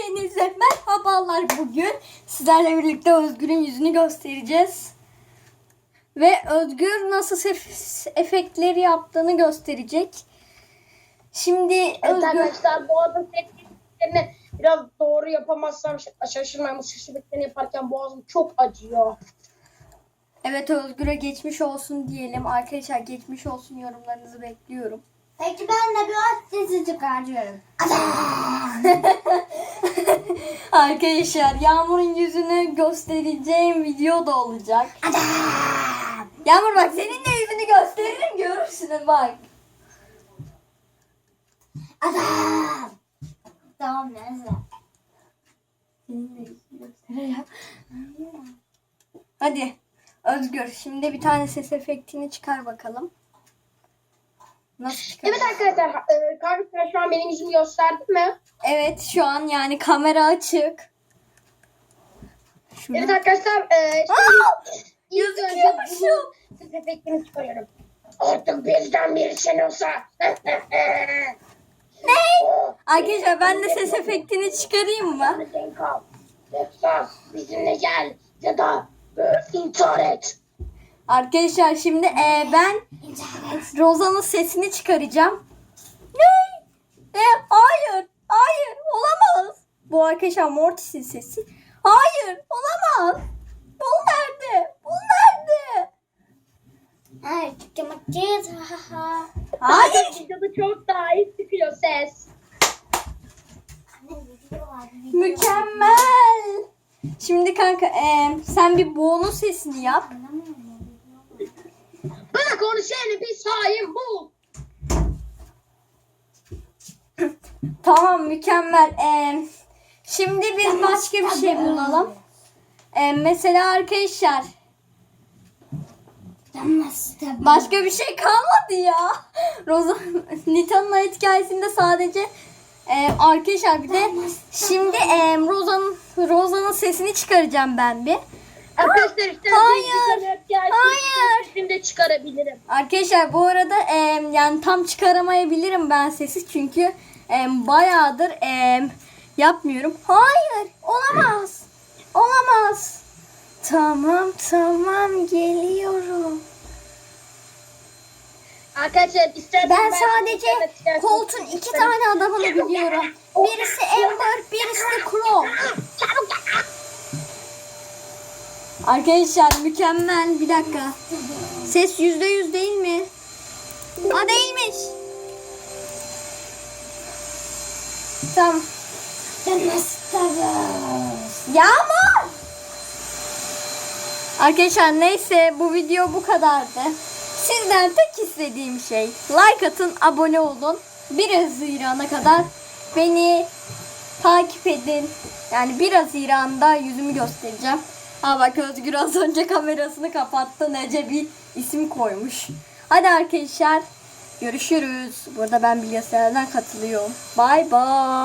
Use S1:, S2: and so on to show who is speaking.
S1: Hepinize merhabalar. Bugün sizlerle birlikte Özgür'ün yüzünü göstereceğiz. Ve Özgür nasıl ses efektleri yaptığını gösterecek. Şimdi
S2: Evet
S1: Özgür...
S2: arkadaşlar, bu arada seslerini biraz doğru yapamazsam şaşırmayın. Ses efektlerini yaparken boğazım çok acıyor.
S1: Evet, Özgür'e geçmiş olsun diyelim. Arkadaşlar geçmiş olsun, yorumlarınızı bekliyorum.
S3: Peki ben de biraz sesi çıkartıyorum.
S1: Arkadaşlar Yağmur'un yüzünü göstereceğim video da olacak. Yağmur bak, senin de yüzünü gösteririm, görürsün bak.
S3: Adam. Tamam neyse.
S1: Senin de yüzünü göstereceğim. Hadi Özgür, şimdi bir tane ses efektini çıkar bakalım. Nasıl çıkar?
S2: Evet arkadaşlar, kanka sen şu an benim yüzümü gösterdin mi?
S1: Evet, şu an yani kamera açık. Şunu...
S2: Evet arkadaşlar, ilk önce
S1: Gözüküyormuşum.
S2: bu ses efektini çıkarıyorum. Artık bizden birisin olsa.
S1: Ne? Arkadaşlar ben de ses efektini çıkarayım mı?
S2: Denk al. Yoksa bizimle gel ya da intihar et.
S1: Arkadaşlar şimdi ben Rozan'ın sesini çıkaracağım. Ne? Hayır. Hayır. Olamaz. Bu arkadaşlar Mortis'in sesi. Hayır. Olamaz. Bul nerede? Bul nerede?
S3: Ay çıkamayacağız.
S1: Hayır.
S2: Videoda çok daha iyi çıkıyor ses.
S1: Mükemmel. Şimdi kanka sen bir Bo'nun sesini yap.
S2: Bana konuşan bir sahim bu.
S1: Tamam, mükemmel. Şimdi biz başka bir şey bulalım. Mesela arkadaşlar başka bir şey kalmadı ya. Nita'nın hayat hikayesinde sadece arkadaşlar bir de şimdi Rozan'ın sesini çıkaracağım ben bir.
S2: Arkadaşlar işte
S1: Hayır. Hayır.
S2: sesini de çıkarabilirim.
S1: Arkadaşlar bu arada yani tam çıkaramayabilirim ben sesi çünkü bayağıdır yapmıyorum. Hayır, olamaz. Olamaz. Tamam geliyorum.
S2: Arkadaşlar isterseniz
S1: Ben sadece Colt'un 2 tane adamını biliyorum. Birisi Amber, birisi de Crow. Arkadaşlar mükemmel. Bir dakika. Ses %100 değil mi? Aa, değilmiş. Tamam. Yağmur. Arkadaşlar neyse, bu video bu kadardı. Sizden tek istediğim şey like atın, abone olun. 1 Haziran'a kadar beni takip edin. Yani 1 Haziran'da yüzümü göstereceğim. Ha bak, Özgür az önce kamerasını kapattı. Nece bir isim koymuş. Hadi arkadaşlar görüşürüz. Burada ben bilgisayardan katılıyorum. Bye bye.